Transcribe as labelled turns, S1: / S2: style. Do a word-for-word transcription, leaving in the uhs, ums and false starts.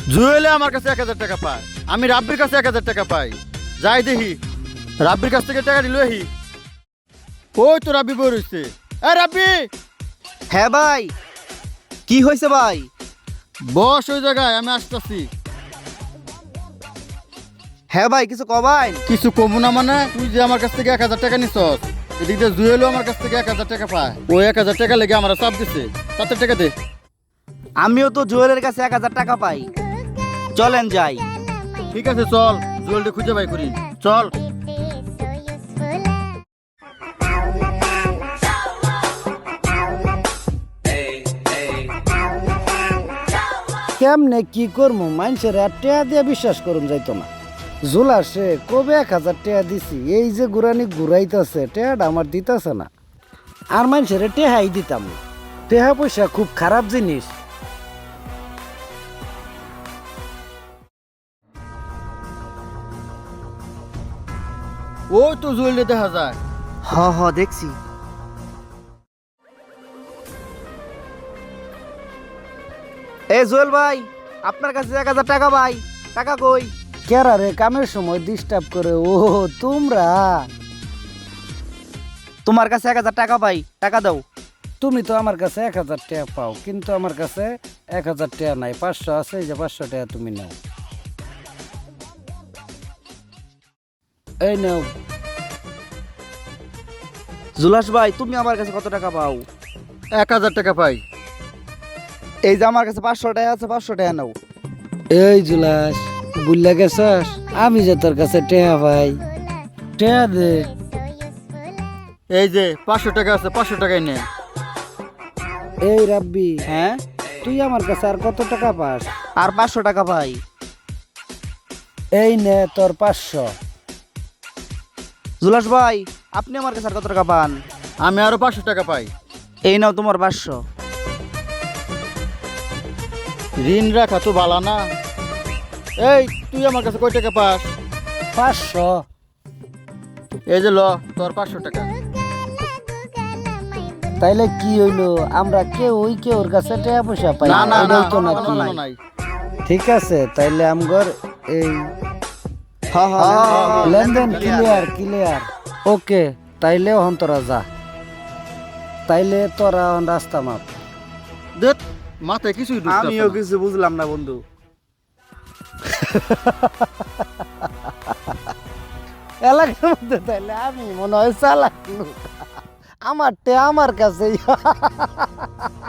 S1: জুয়েলে আমার কাছে এক হাজার টাকা পায়, আমি রাব্বির কাছে এক হাজার টাকা পাই। যাই দেখি রাব্বির কাছ থেকে টাকা নিল হি। ওই তো রাব্বি বই রয়েছে। এ রাব্বি,
S2: হ্যাঁ ভাই, কি হয়েছে ভাই?
S1: বস ওই জায়গায়, আমি আসতেছি।
S2: হ্যাঁ ভাই, কিছু কবাই।
S1: কিছু কমু না মানে, তুই যে আমার কাছ থেকে এক হাজার টাকা নিছস, এদিক দিয়ে জুয়েলও আমার কাছ থেকে এক হাজার টাকা পায়। ওই এক হাজার টাকা লেগে আমার চাপ দিছে, তাতে টাকা দে।
S2: আমিও তো জুয়েলের কাছে এক হাজার টাকা পাই, চলেন যাই।
S1: ঠিক আছে চল, জুয়েলটা খুঁজে বাই করি, চল।
S3: কেমনে কি করবো, মানুষের আর টেয়া দিয়ে বিশ্বাস করুন যাইতো না। জুলাসে কবে এক হাজার টেয়া দিছি, এই যে গুরানি ঘুরাইতেছে, টেয়াটা আমার দিতেছে না। আর মানুষের টেহাই দিতাম না। টেহা পয়সা খুব খারাপ জিনিস।
S1: ওই তো জুয়েলটা দেখা যায়।
S2: হ হ দেখছি। এ জুয়েল ভাই, আপনার কাছে এক হাজার টাকা ভাই, টাকা কই?
S3: কেরা রে কামের সময় ডিস্টার্ব করে? ও তোমরা,
S2: তোমার কাছে এক হাজার টাকা পাই, টাকা দাও।
S3: তুমি তো আমার কাছে এক হাজার টাকা পাও, কিন্তু আমার কাছে এক হাজার টাকা নাই, পাঁচশো আছে, এই যে পাঁচশো টাকা তুমি নাও। এই নাও।
S2: জুলাস ভাই, তুমি আমার কাছে কত টাকা পাও?
S1: এক হাজার টাকা পাই।
S2: এই যে আমার কাছে পাঁচশো টাকা আছে, পাঁচশো টাকা নাও।
S3: এই জুলাস, বুঝলা গেছস আমি যে তোর কাছে টেহা পাই, টেহা দে।
S1: এই যে পাঁচশো টাকা আছে, পাঁচশো টাকাই নে।
S3: এই রাব্বি,
S2: হ্যাঁ,
S3: তুই আমার কাছে আর কত টাকা পাস?
S2: আর পাঁচশো টাকা পাই।
S3: এই নে তোর পাঁচশো।
S2: জুলাস ভাই, আপনি আমার কাছে আর কত টাকা পান?
S1: আমি আরো পাঁচশো টাকা পাই।
S2: এই নাও তোমার পাঁচশো।
S1: ঋণ রাখা তো বালা না। এই তুই আমার কাছে কয় টাকা পাস?
S3: পাঁচশো।
S1: এই যে ল তোর পাঁচশো টাকা।
S3: তাইলে কি হইলো, আমরা কেউ ওই কেউ ওর কাছে টাকা পয়সা পাই
S1: না না না,
S3: এটাই তো
S1: কোনো
S3: নাকি?
S1: কোনো নাই।
S3: ঠিক আছে, তাইলে আমগর এই
S2: হ্যাঁ হ্যাঁ,
S3: লেনদেন ক্লিয়ার ক্লিয়ার। ওকে, তাইলে হন তোরা যা, তাইলে তোরা হন রাস্তা মাপ।
S1: দেখ মাথায় কিছুই ঢুকতেছে
S2: আমিও
S1: না।
S2: কিছু বুঝলাম না বন্ধু।
S3: এলাকার মধ্যে তাইলে আমি মনে হয় চালাক লোক। আমার টে আমার কাছে